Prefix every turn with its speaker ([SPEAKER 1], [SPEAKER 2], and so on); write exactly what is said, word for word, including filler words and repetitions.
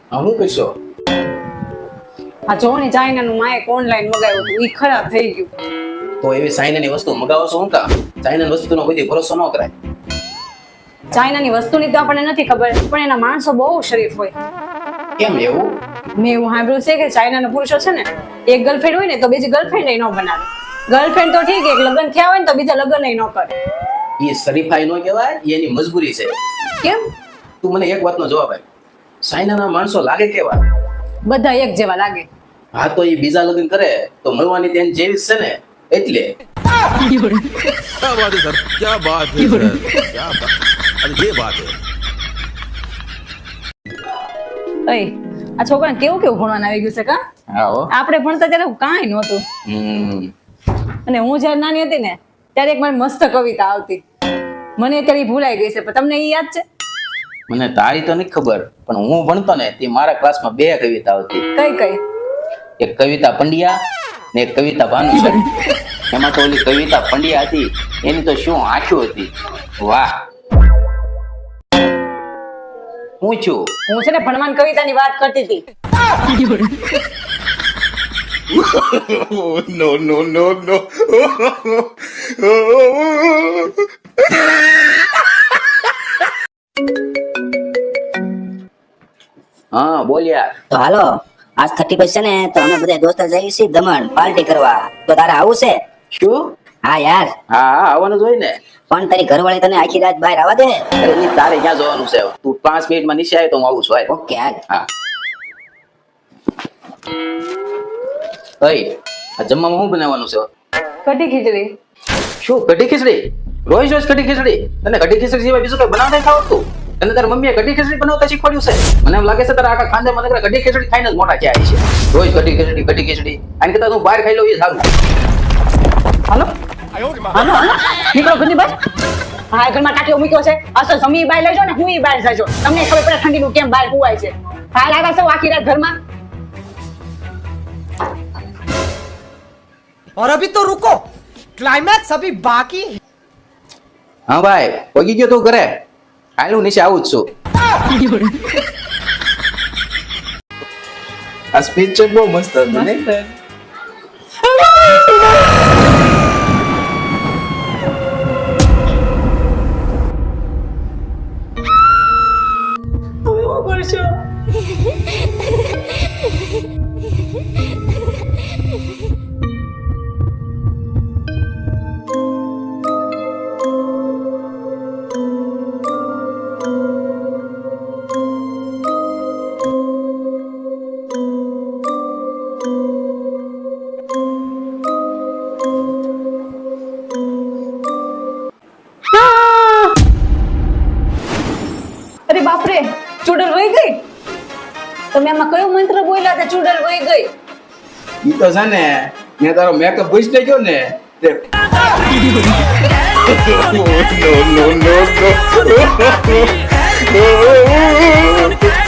[SPEAKER 1] હા હું કહીશો
[SPEAKER 2] આ જો ને ચાઇનાનું માયક ઓનલાઈન મગાવ્યું હતું ઈ ખરાબ થઈ ગયું.
[SPEAKER 1] તો એવી ચાઇનાની વસ્તુ મગાવો છો હું કા ચાઇનાની વસ્તુનો કોઈ ભરોસો ન કરાય.
[SPEAKER 2] ચાઇનાની વસ્તુની તો આપણને નથી ખબર પણ એના માણસો બહુ શરીફ હોય.
[SPEAKER 1] કેમ એવું?
[SPEAKER 2] મેં એવું સાંભળ્યું છે કે ચાઇનાના પુરુષો છે ને એક ગર્લફ્રેન્ડ હોય ને તો બીજી ગર્લફ્રેન્ડ ન બનાવે. ગર્લફ્રેન્ડ તો ઠીક એક લગ્ન થયા હોય ને તો બીજા લગ્ન ન કરે.
[SPEAKER 1] એ શરીફાઈ નો કહેવાય, એ એની મજબૂરી છે.
[SPEAKER 2] કેમ?
[SPEAKER 1] તું મને એક વાતનો જવાબ આપ. ચાઇનાના માણસો લાગે કેવા?
[SPEAKER 2] બધા એક જેવા લાગે.
[SPEAKER 1] હા તો એ બીજા લગ્ન કરે તો મળવાની તેન જેવી છે ને એટલે.
[SPEAKER 3] क्या बात है सर, क्या बात है सर, क्या बात, अरे ये बात है.
[SPEAKER 2] અય આ છોકરાને કેવું કેવું ભણવાનું આવી ગયું છે કા?
[SPEAKER 1] હા હો.
[SPEAKER 2] આપણે ભણતા ત્યારે કાંઈ નહોતું.
[SPEAKER 1] હમ
[SPEAKER 2] અને હું જ્યારે નાની હતી ને ત્યારે એક મારી મસ્ત કવિતા આવતી. મને અત્યારે ઈ ભૂલાઈ ગઈ છે પણ તમને ઈ યાદ છે?
[SPEAKER 1] મને તારી તો નથી ખબર પણ હું ભણતો ને તે મારા ક્લાસમાં બે કવિતા આવતી.
[SPEAKER 2] કઈ કઈ?
[SPEAKER 1] એક કવિતા પંડ્યા ને એક કવિતા ભાનુશાળી. એમાં તો ઓલી કવિતા પંડ્યા હતી એની તો શું આંખો હતી. વાહ. હું છું
[SPEAKER 2] હું છે ને ભણવાન કવિતાની વાત કરતી હતી.
[SPEAKER 3] No, no, no, no.
[SPEAKER 1] હા બોલ યાર.
[SPEAKER 4] તો હાલો આજ થર્ટી ફર્સ્ટ છે ને તો અમે બધા દોસ્તો જઈએ છીએ દમણ પાર્ટી કરવા. તો તારે આવું છે?
[SPEAKER 1] શું?
[SPEAKER 4] હા યાર,
[SPEAKER 1] હા હા આવવાનું જ હોય ને.
[SPEAKER 4] પણ તારી ઘરવાળી તને આખી રાત બહાર આવવા દે?
[SPEAKER 1] અરે ઈ તારે ક્યાં જવાનું છે? તું પાંચ મિનિટમાં નીચે આવે તો હું આવું છું. હાલ.
[SPEAKER 4] ઓકે હાલ.
[SPEAKER 1] હા. ઓય આ જમવામાં શું બનાવવાનું છે?
[SPEAKER 2] કઢી ખીચડી.
[SPEAKER 1] શું કઢી ખીચડી? રોજ રોજ કઢી ખીચડી? તને કઢી ખીચડી સિવાય બીજું કઈ બનાવતા નથી આવડતું? તને તારી મમ્મીએ કઢી ખીચડી બનાવતા શીખવાડ્યું છે? મને એમ લાગે છે તારા આખા ખાનદાનમાં નકરા કઢી ખીચડી ખાઈને જ મોટા થયા છે. રોજ કઢી ખીચડી કઢી ખીચડી આને કરતા તું બહાર ખાઈ લઉં એ સારું.
[SPEAKER 2] હાલો હાલો હાલો નીકળો ઘરની બહાર. હા ઘરમાં ટાંકીઓ મૂક્યો છે. અસલ સમી બહાર લઈ જાઓ ને હું ઈ બહાર જાજો. તમને ખબર પડે ઠંડીનું કેમ બહાર કુવાય છે. હાલ આવ્યા છો આખી રાત ઘરમાં.
[SPEAKER 5] और अभी तो रुको, क्लाइमैक्स अभी बाकी.
[SPEAKER 1] હા ભાઈ પગી ગયો તું ઘરે? હાલ હું નીચે આવું જ છું. આ સ્પીચ છે બહુ મસ્ત હતી ને?
[SPEAKER 2] અરે બાપરે ચૂડલ વહી ગઈ. તમે આમાં કયો મંત્ર બોલ્યા હતા? ચૂડલ વહી ગઈ.
[SPEAKER 1] ઈ તો છે ને મેં તારો મેકઅપ ભૂસ લઈ ગયો ને તે
[SPEAKER 3] No, no, no, no.